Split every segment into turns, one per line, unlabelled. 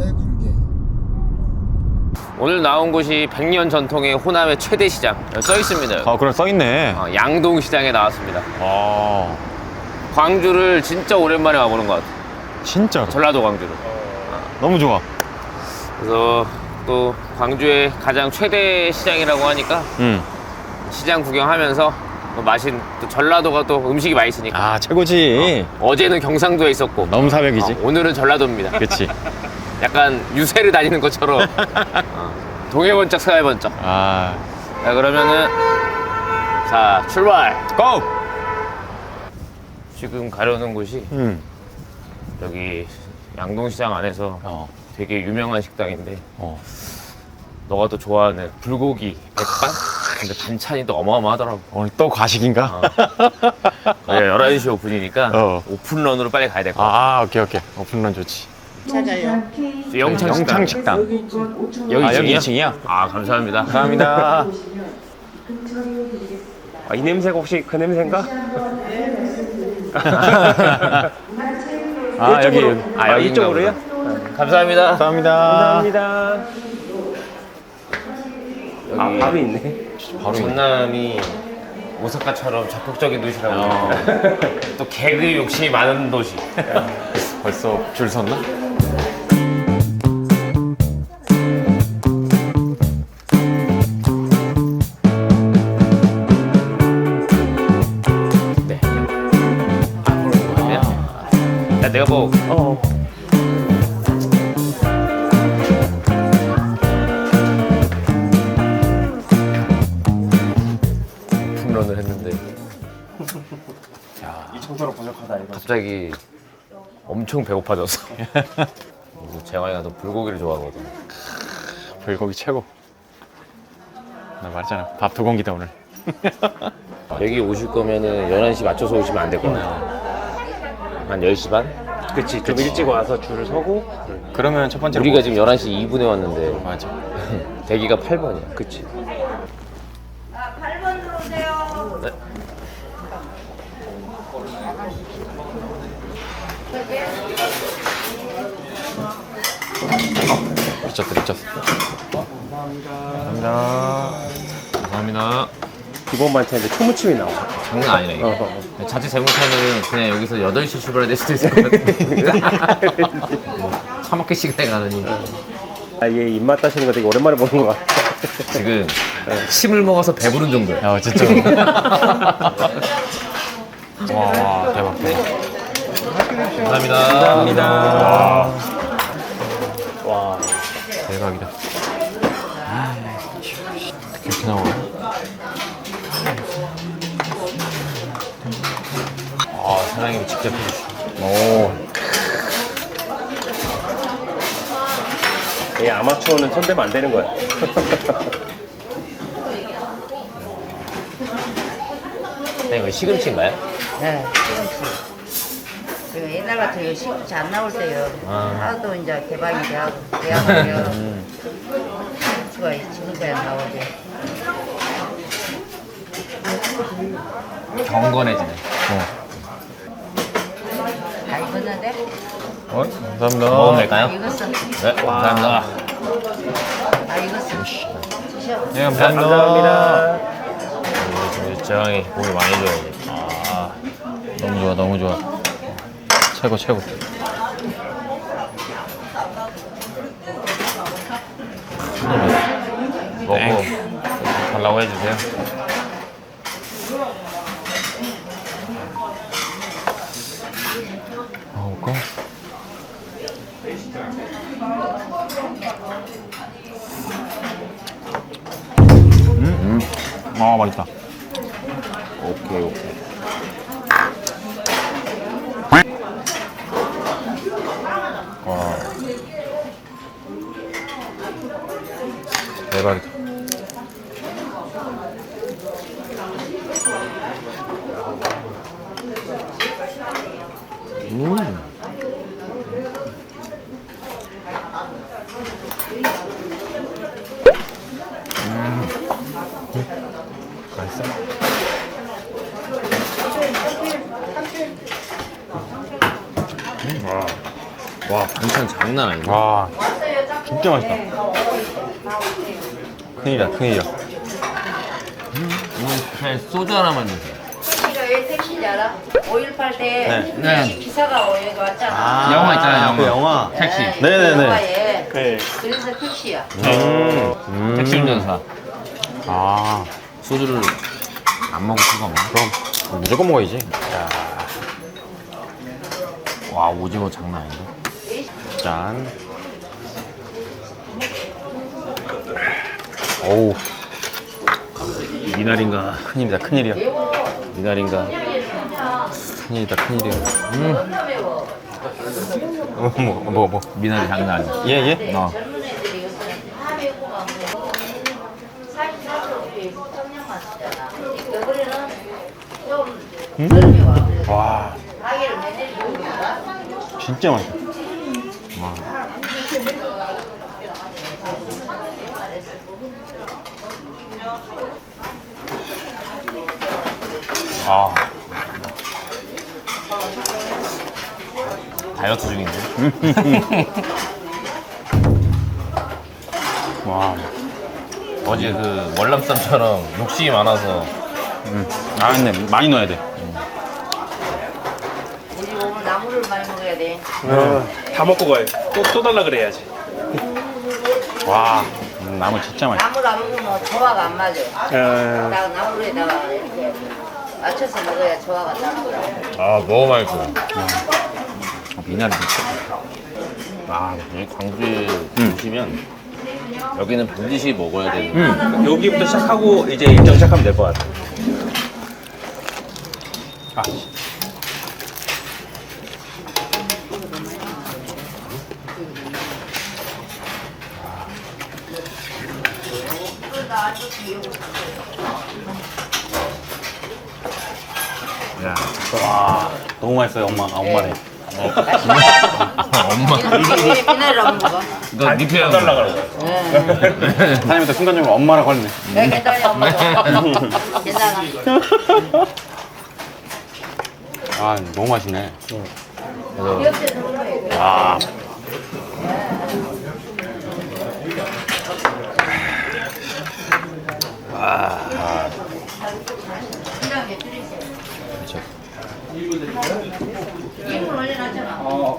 시장과의 관계.
오늘 나온 곳이 100년 전통의 호남의 최대 시장. 여기 써 있습니다.
아, 그럼 써있네.
양동시장에 나왔습니다.
아,
광주를 진짜 오랜만에 와보는 것 같아요.
진짜로.
전라도 광주를.
너무 좋아.
그래서 또 광주의 가장 최대 시장이라고 하니까 시장 구경하면서 또 전라도가 또 음식이 맛있으니까.
아, 최고지.
어제는 경상도에 있었고
너무 사벽이지.
오늘은 전라도입니다.
그치.
약간 유세를 다니는 것처럼 동해 번쩍 서해 번쩍.
아,
자, 그러면은 자, 출발.
고!
지금 가려는 곳이 여기 양동시장 안에서 되게 유명한 식당인데 너가 또 좋아하는 불고기 백반? 근데 반찬이 또 어마어마하더라고.
오늘 또 과식인가?
11시 오픈이니까 오픈런으로 빨리 가야 될 것 같아.
아, 오케이. 오픈런 좋지.
찾아요.
영창식당. 여기
여기
2층이야?
2층이야?
아, 감사합니다.
감사합니다.
이 냄새가 혹시 그 냄새인가?
아, 여기.
여기
이쪽으로요?
감사합니다.
감사합니다.
감사합니다.
여기
바로 있네.
바로 있네.
전남이 오사카처럼 적극적인 도시라고. 또 개그 욕심이 많은 도시.
벌써 줄 섰나?
네. 앞으로 보면 야, 내가 뭐 홈런을 했는데
이 청소로 부족하다 이거.
갑자기 엄청 배고파졌어. 그래서 재환이가 또 불고기를 좋아하거든.
불고기 최고. 나 말했잖아. 밥 2공기다 오늘.
여기 오실 거면은 11시 맞춰서 오시면 안 될 것 같아. 한 10시 반?
그치, 좀 일찍 와서 줄을 서고.
그러면 첫 번째로
우리가 지금 11시 2분에 왔는데
맞아.
대기가 8번이야. 그치?
8번 들어오세요.
네.
미쳤어.
감사합니다.
기본 반찬인데 초무침이 나와.
장난 아니네 이거. 자칫 잘못하면 그냥 여기서 8시 출발해야 될 수도 있을 것 같아. 차마켓 시간에 가느니
얘 입맛 따시는 거 되게 오랜만에 보는 것 같아.
지금 침을 먹어서 배부른 정도야.
야, 진짜. 와, 대박.
감사합니다.
와,
대박이다. 어떻게 이렇게 나와?
사장님이 직접 해주시고.
오,
얘 아마추어는 손대면 안 되는 거야.
이거 시금치인가요?
네, 시금치. 옛날 같아요. 시금치 안 나올 때요. 하도 이제 개방이 돼하고요. 시금치가 지금까지 나오지.
경건해지네.
다 익었는데?
감사합니다.
먹으면 될까요?
익었어.
네, 감사합니다.
다 익었어. 드셔.
네, 감사합니다.
우리 재환이 고기 많이 줘야지.
너무 좋아. 최고.
먹고 달라고 해주세요.
먹을까? 아, 맛있다.
오케이.
대박이다.
맛있어? 와, 반찬 장난 아니네.
와, 진짜 맛있다. 큰일이다, 큰일이야.
이건 그냥 소주 하나만 주세요.
택시가 왜 택시인지 알아? 5.18 때
네.
택시 기사가 여기 왔잖아.
영화 있잖아요, 영화.
그 영화.
택시.
네네네.
영화에.
네.
그래서 택시야.
택시 운전사.
아,
소주를 안 먹을 수가 없네.
그럼 무조건 먹어야지.
와, 오징어 장난 아닌데?
짠. 어우,
미나리인가?
큰일이다, 큰일이야.
미나리인가?
큰일이다, 큰일이야. 뭐.
미나리 장난 아니야.
예, 예.
어.
젊은 애들이 요새 다 배우고만 사진 사진 청량만 쓰잖아. 겨울에는 좀 젊이 와. 그래서
와,
가게를 매일 보고 있다.
진짜 맛있다.
아. 다이어트 중인데?
와,
어제 그 월남쌈처럼 욕심이 많아서
아, 근데 많이 넣어야 돼.
우리 오늘 나물을 많이 먹어야 돼.
다 먹고 가요. 또 달라 그래야지.
와, 나물 진짜 맛있다.
나물 안 먹으면 조화가 안 맞아.
아,
딱 나물에다가 이렇게 맞춰서 먹어야 조화가 딱.
아 너무 맛있어.
미나리 진짜.
아 여기 광주에 오시면 여기는 반드시 먹어야 되는
여기부터 시작하고 이제 일정 시작하면 될 것 같아.
아,
야
와, 너무 맛있어요, 엄마. 아, 엄마네.
엄마
왜 비나리를 안 먹어?
너 니페 안
달라
달라
그러고.
사장님부터 순간적으로 엄마라고 하네.
왜 비나리 안 먹어? 괜찮아.
아, 너무 맛있네.
귀엽게 먹어야 돼.
와,
그냥 메뚜리새.
그렇죠.
이걸 올려놨잖아.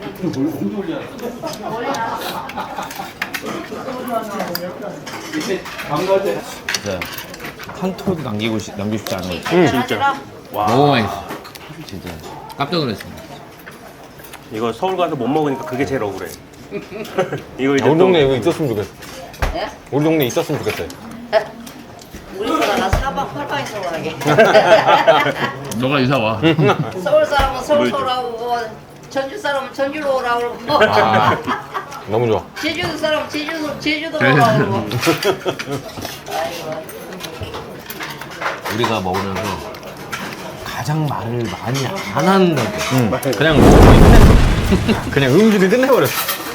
진짜 한 톨도 남기고 남기고 싶지 않은 거
진짜.
너무 맛있어 진짜 깜짝 놀랐습니다.
이거 서울 가서 못 먹으니까 그게 제일 억울해. 이거 이제
우리
또
동네에 이거 있었으면 좋겠어.
예?
우리 동네에 있었으면 좋겠어요.
우리 사람 사방 팔방에서 오라게.
너가 이사 와.
서울 사람은 서울 오라고, 전주 사람은 전주로 오라고 그러고,
아, 너무 좋아.
제주도 사람은 제주도 오라고 그러고.
우리가 먹으면서 가장 말을 많이 안 한다고.
그냥 끝냈어. 그냥 음식을 끝내버렸어.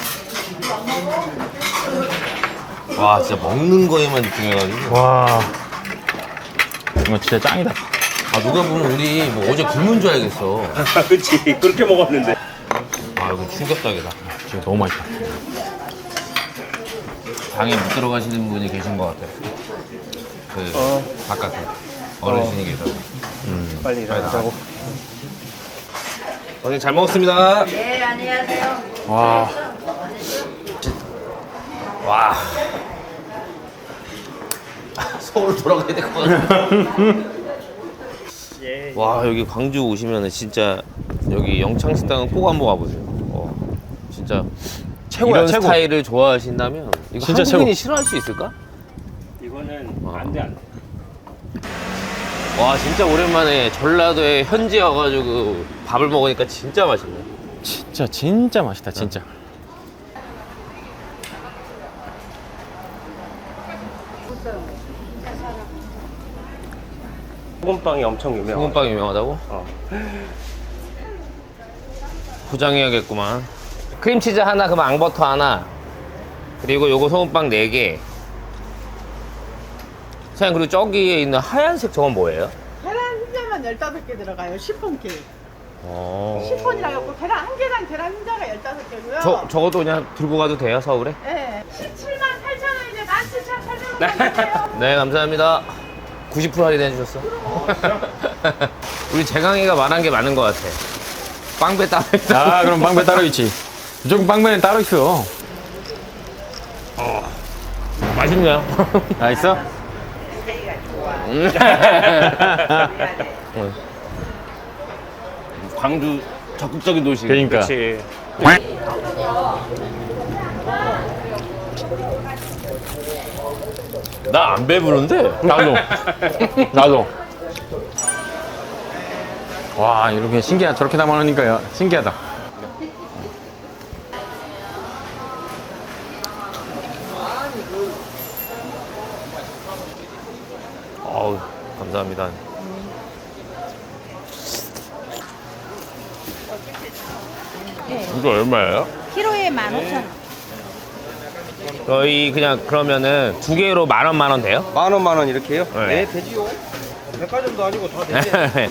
와 진짜 먹는 거에만 집중해가지고.
와, 이거 진짜 짱이다.
아 누가 보면 우리 뭐 어제 굶은 줄 알겠어.
그치 그렇게 먹었는데.
아 이거 충격적이다.
진짜 너무 맛있다.
방에 못 들어가시는 분이 계신 것 같아요. 그 바깥에 어르신이 계셔서.
빨리 일어나자고.
선생님 잘 먹었습니다.
네, 안녕하세요.
와,
와. 서울 돌아가야 될 것 같아. 와 여기 광주 오시면 진짜 여기 영창식당은 꼭 한번 와보세요. 진짜
최고야,
이런
최고.
스타일을 좋아하신다면 이거
진짜
한국인이
최고.
싫어할 수 있을까?
이거는 안 돼.
와 진짜 오랜만에 전라도에 현지 와가지고 밥을 먹으니까 진짜 맛있네.
진짜 맛있다, 진짜.
소금빵이 엄청 유명해.
소금빵 유명하다고?
어.
포장해야겠구만. 크림치즈 하나, 그럼 앙버터 하나, 그리고 요거 소금빵 4개. 사장님 그리고 저기에 있는 하얀색 저건 뭐예요?
계란 흰자만 15개 들어가요. 시폰 케이크. 10분이라고 했고 계란 한 계란 계란 흰자가 15개고요.
적어도 그냥 들고 가도 돼요, 서울에?
네. 17만 8천 원인데 17,800원.
네, 감사합니다. 90% 할인해 주셨어. 우리 재강이가 말한 게 많은 것 같아. 빵배 따로 있다.
아, 그럼 빵배 따로 있지. 무조건 빵배는 따로 있어.
맛있네요.
아, 있어?
광주 적극적인 도시.
그러니까.
그렇지.
나 안 배부른데?
나도. 나도. 와, 이렇게 신기하다. 저렇게 담아놓으니까 신기하다.
어우, 감사합니다. 이거 얼마예요?
키로에 15,000원.
저희 그냥 그러면은 두 개로 만 원 돼요?
만 원 이렇게요?
네.
네, 되지요. 백화점도 아니고 다 되지.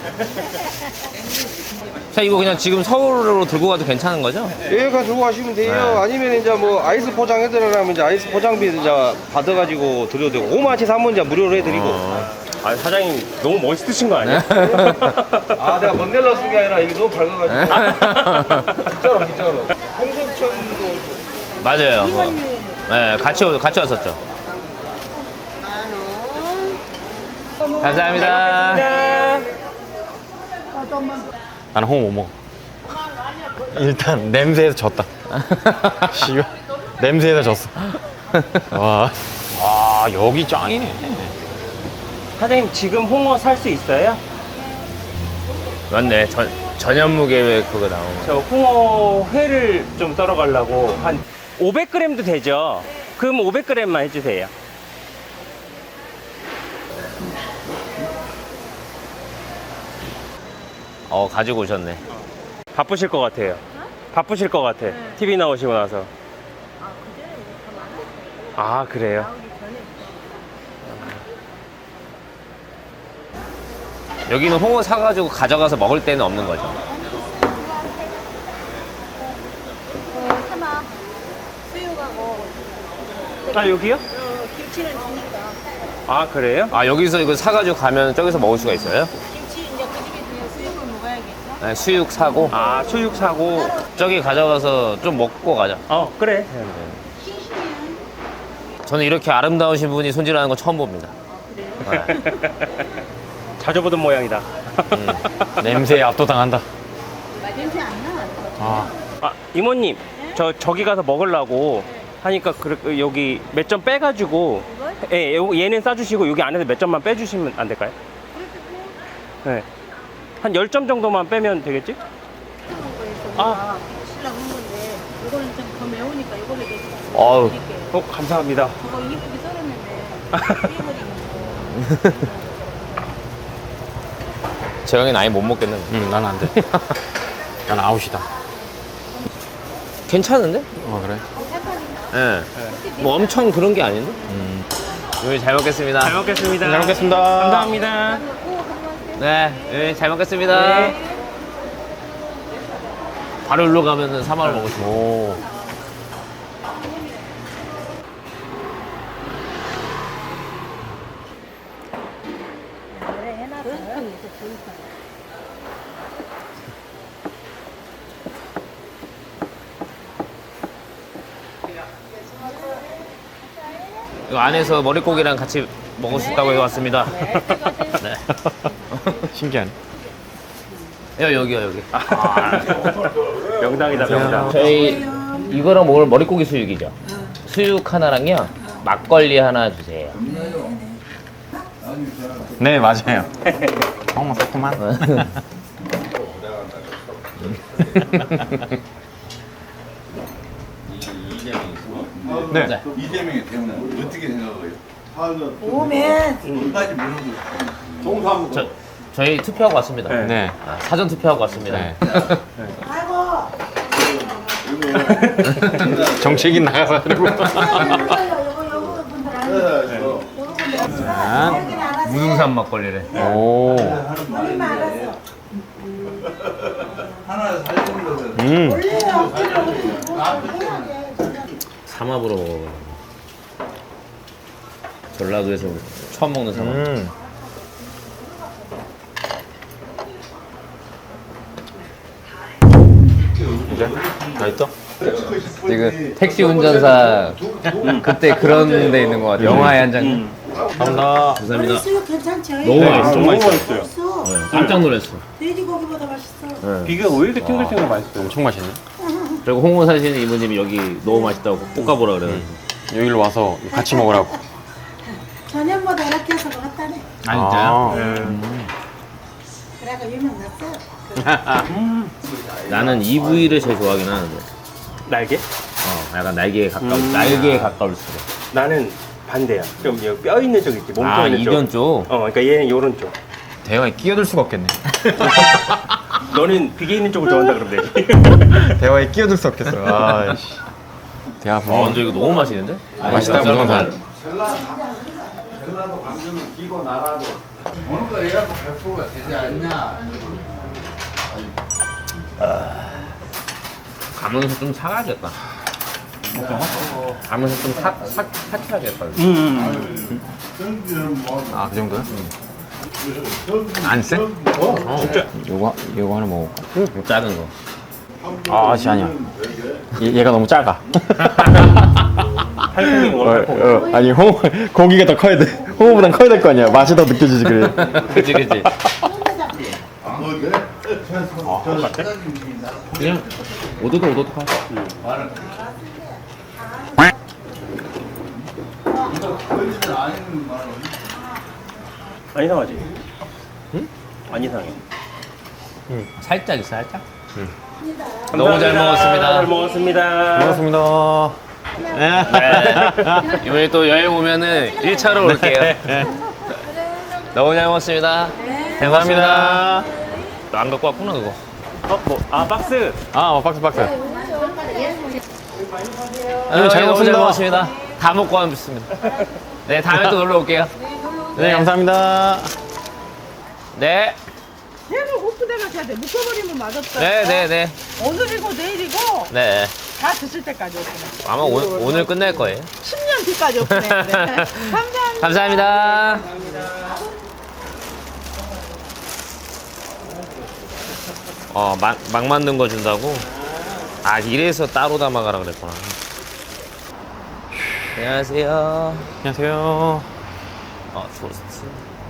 자, 이거 그냥 지금 서울로 들고 가도 괜찮은 거죠?
여기 가지고 가시면 돼요.
네.
아니면 이제 뭐 아이스 포장해드리려면 이제 아이스 포장비 이제 받아가지고 드려도 되고 5만치 사면 이제 무료로 해드리고.
아, 사장님 너무 멋있으신 거 아니야?
아, 내가 먼데라 쓴 게 아니라 이게 너무 밝아가지고. 진짜로. 홍석천도
맞아요. 네, 같이 왔었죠. 감사합니다.
나는 홍어 못 먹어. 일단 냄새에서 졌다. 씨발. 냄새에서 졌어. 와. 와, 여기 짱이네.
사장님 지금 홍어 살 수 있어요?
맞네. 전현무 계획 그거 나온 거.
저 홍어 회를 좀 썰어 가려고 한 500g도 되죠? 그럼 500g만 해주세요.
가지고 오셨네.
바쁘실 것 같아요. 바쁘실 것 같아. TV 나오시고 나서. 아, 그래요?
여기는 홍어 사가지고 가져가서 먹을 때는 없는 거죠.
하나 수육하고
아, 여기요?
김치는 주니까
아, 그래요?
아, 여기서 이거 사가지고 가면 저기서 먹을 수가 있어요?
김치 이제 그 집에 있으면 수육을 먹어야겠죠.
네, 수육 사고
아, 수육 사고.
저기 가져가서 좀 먹고 가자.
그래.
저는 이렇게 아름다우신 분이 손질하는 거 처음 봅니다. 네.
자주 보던 모양이다.
냄새에 압도당한다.
냄새 안 나.
아,
아, 이모님, 저기 가서 먹으려고 하니까 여기 몇 점 빼가지고, 예, 얘는 싸주시고 여기 안에서 몇 점만 빼주시면 안 될까요? 네. 한 10점 정도만 빼면 되겠지? 아.
신랑 한 건데 이거는 좀 더 매우니까 이걸로 이제
어우.
드릴게요.
감사합니다.
저거 이쁘게 썰었는데 삐버리고.
재영이는 아예 못 먹겠는데.
난 안 돼. 난 아웃이다.
괜찮은데?
그래?
예. 뭐 엄청 그런 게 아닌데? 요리 잘 먹겠습니다.
잘 먹겠습니다.
잘 먹겠습니다.
감사합니다.
네, 잘 먹겠습니다.
네.
바로 일로 가면은 3만 원 먹을 수 있어.
오.
이거 안에서 머릿고기랑 같이 먹을 수 있다고 해서 왔습니다. 네.
신기하네.
여기요, 여기.
명당이다, 명당.
저희 이거랑 먹을 머릿고기 수육이죠. 수육 하나랑요, 막걸리 하나 주세요.
네, 맞아요. 어머, 새콤한. 네.
이재명의 대우는 어떻게 생각해요?
저희 투표하고 왔습니다.
네.
네.
사전 투표하고 왔습니다.
네. 정책인 나가서 하려고.
무등산 막걸리래.
오.
하나 살리는 것은
삼합으로 먹어. 전라도에서 처음 먹는 삼합.
이제 다 있어?
지금 택시 운전사 그때 그런 데 있는 것 같아요. 영화의 한 장면.
감사합니다.
감사합니다.
있어요. 괜찮죠?
너무 맛있어.
너무 맛있어요.
맛있어.
깜짝 놀랐어.
돼지고기보다 맛있어.
비가 왜 이렇게 탱글탱글 맛있어요?
엄청 맛있네.
그리고 홍보 사시는 이모님이 여기 너무 맛있다고 꼭 가보라 그래요.
여기로 와서 같이 먹으라고.
저녁보다 이렇게 해서 먹었다네.
아,
그래가 유명 났어.
나는 이 부위를 제일 좋아하긴 하는데.
날개?
약간 날개에 가까울 날개에 가까울 수도.
나는 반대야. 좀 여기 뼈 있는 쪽 있지. 몸뼈 있는 쪽.
이변 쪽.
그러니까 얘는 요런 쪽.
대화에 끼어들 수가 없겠네.
너는 비계 있는 쪽을 좋아한다 그러면 되지.
대화에 끼어들 수 없겠어. 아이씨. 대화
근데 이거 너무 맛있는데?
맛있다, 무성산.
전라도 강릉은 기고 나라도 어느 거 해갖고 100%가 되지 않냐.
가면서 좀 사가야겠다. 가면서 좀 사켜야겠다.
아, 그 정도야? 안 쎄?
진짜.
요거 하나 먹어볼까?
작은 거.
아, 씨, 아니야. 얘가 너무 작아.
팔콩이 원
아니, 고기가 더 커야 돼. 홍어보단 커야 될 거 아니야. 맛이 더 느껴지지, 그래.
그치. 그냥 오도독 하.
안 이상하지? 응? 안 이상해.
살짝 있어, 살짝. 너무 잘 먹었습니다.
잘 먹었습니다.
고맙습니다.
네. 이번에 또 여행 오면은 1차로 올게요. 너무 잘 먹었습니다. 감사합니다. 너 안 갖고 왔구나, 그거.
박스.
아, 박스.
너무 잘
먹었습니다.
먹었습니다. 다 먹고 왔습니다. 네, 다음에 또 놀러 올게요.
네, 감사합니다.
네.
계속 오프대가 돼야 돼. 묶어버리면 맛없다.
네.
오늘이고 내일이고
네.
다 드실 때까지 오프네.
아마 오늘 끝낼 거예요.
10년 뒤까지 오프네. 네.
감사합니다. 막 만든 거 준다고? 아, 이래서 따로 담아가라 그랬구나. 안녕하세요.
안녕하세요.
토스트.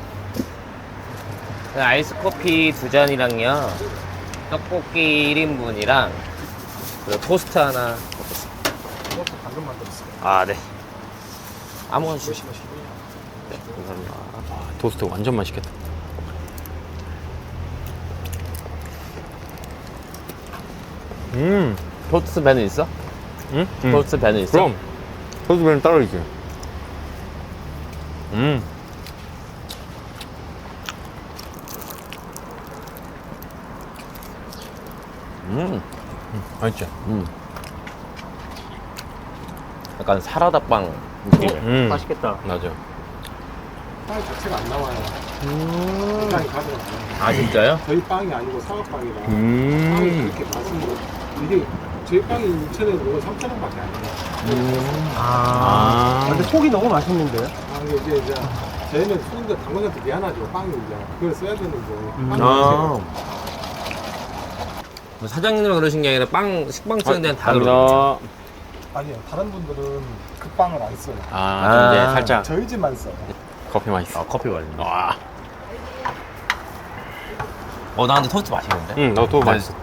아이스 커피 2잔이랑요. 떡볶이 1인분이랑 그리고 토스트 하나 먹겠습니다. 토스트 방금 만들었어요. 아, 네. 아무거나 주시면 네, 감사합니다.
토스트 완전 맛있겠다.
토스트 배는 있어?
응?
토스트 배는 있어?
그럼 토스트는 따로 있지. 맛있지?
약간 사라다빵 느낌이야.
맛있겠다.
맞아.
빵 자체가 안 나와요. 빵이 가져가요.
아, 진짜요?
저희 빵이 아니고 사과빵이라 빵이 그렇게 맛은 이게 저희 빵이 2,000원, 이거 3,000원밖에 안 해요.
근데 속이 너무 맛있는데요?
근데 이제 저희는 손님들 당근한테 미안하죠. 빵이 이제 그걸 써야 되는데 빵이
뭐 사장님이 그러신 게 아니라 식빵 쓰는 데는 다 그러죠.
아니요. 다른 분들은 그 빵을 안 써요.
이제 살짝
저희 집만 써요.
커피 맛있어.
커피 맛있네. 와. 나 근데 토스트 맛있는데?
응, 나도 맛있어.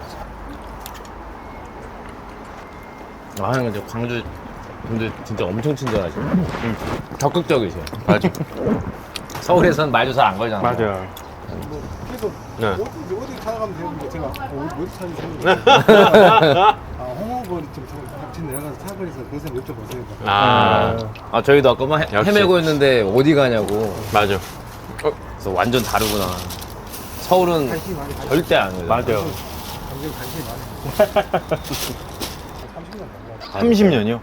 근데 광주 분들 진짜 엄청 친절하시네. 적극적이세요.
맞아.
서울에서는 말도 잘 안 걸잖아.
맞아.
뭐 계속
네.
어디 찾아가면 되는데 제가 어디 찾으세요? 홍어걸 좀 같이 내려가서 사거리에서 그래서 여쭤보세요.
저희도 아까 막
역시.
헤매고 있는데 어디 가냐고.
맞아.
그래서 완전 다르구나. 서울은 절대 안 해요.
맞아요.
굉장히 관심이 많아요.
30년이요?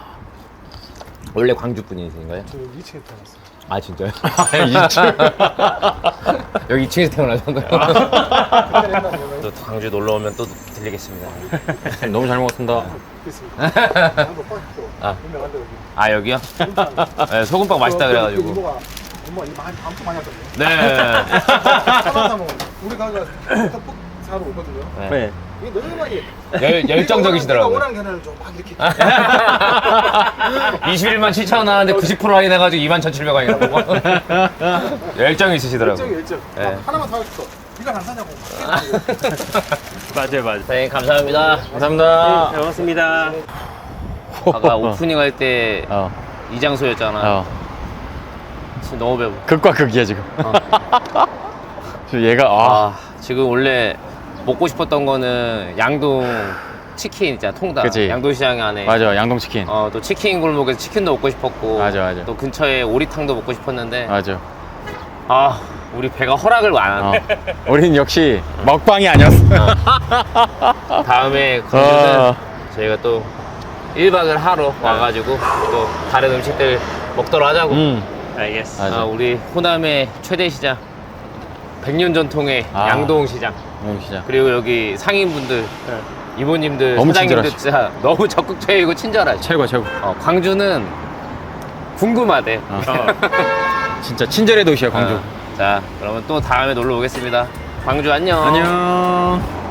원래 광주 분이신가요?
저 2층에 태어났어요.
아, 진짜요?
2층.
여기 2층에서 태어나셨나요?
그때 옛날에
다음에도 광주 놀러 오면 또 들리겠습니다.
너무 잘 먹었습니다.
됐습니다. 한번 빠졌고
아.
유명한데 여기.
아 여기요? 네, 소금빵 맛있다 그래가지고.
이모가 이거 엄청 많이 하거든요.
네.
사람 우리 가가 떡볶이 사러 오거든요.
네.
이게 너무 많이
열정적이시더라고요.
오랑 계란을 좀 막 이렇게
21만 7천 원 하는데 90% 할인해가지고 21,700원이라고. 열정이 있으시더라고요.
열정.
네.
하나만 사줬어. 네가 안 사냐고.
맞아요, 맞아요.
네, 감사합니다.
감사합니다.
잘 먹었습니다.
아까 오프닝 할 때 이 장소였잖아. 지금 너무 배고.
극과 극이야 지금. 지금 얘가
지금 원래 먹고 싶었던 거는 양동 치킨 있잖아, 통닭.
그치.
양동시장 안에.
맞아, 양동치킨.
또 치킨 골목에서 치킨도 먹고 싶었고.
맞아.
또 근처에 오리탕도 먹고 싶었는데.
맞아.
우리 배가 허락을 안 하네.
우린 역시 먹방이 아니었어.
다음에 광주는 저희가 또 1박을 하러 와가지고 또 다른 음식들 먹도록 하자고.
알겠어.
맞아.
우리 호남의 최대 시장 100년 전통의 양동시장,
시장.
그리고 여기 상인분들, 이모님들,
너무
사장님들
친절하시고.
진짜 너무 적극적이고 친절하시.
최고.
광주는 궁금하대.
진짜 친절의 도시야 광주.
자, 그러면 또 다음에 놀러 오겠습니다. 광주 안녕.
안녕.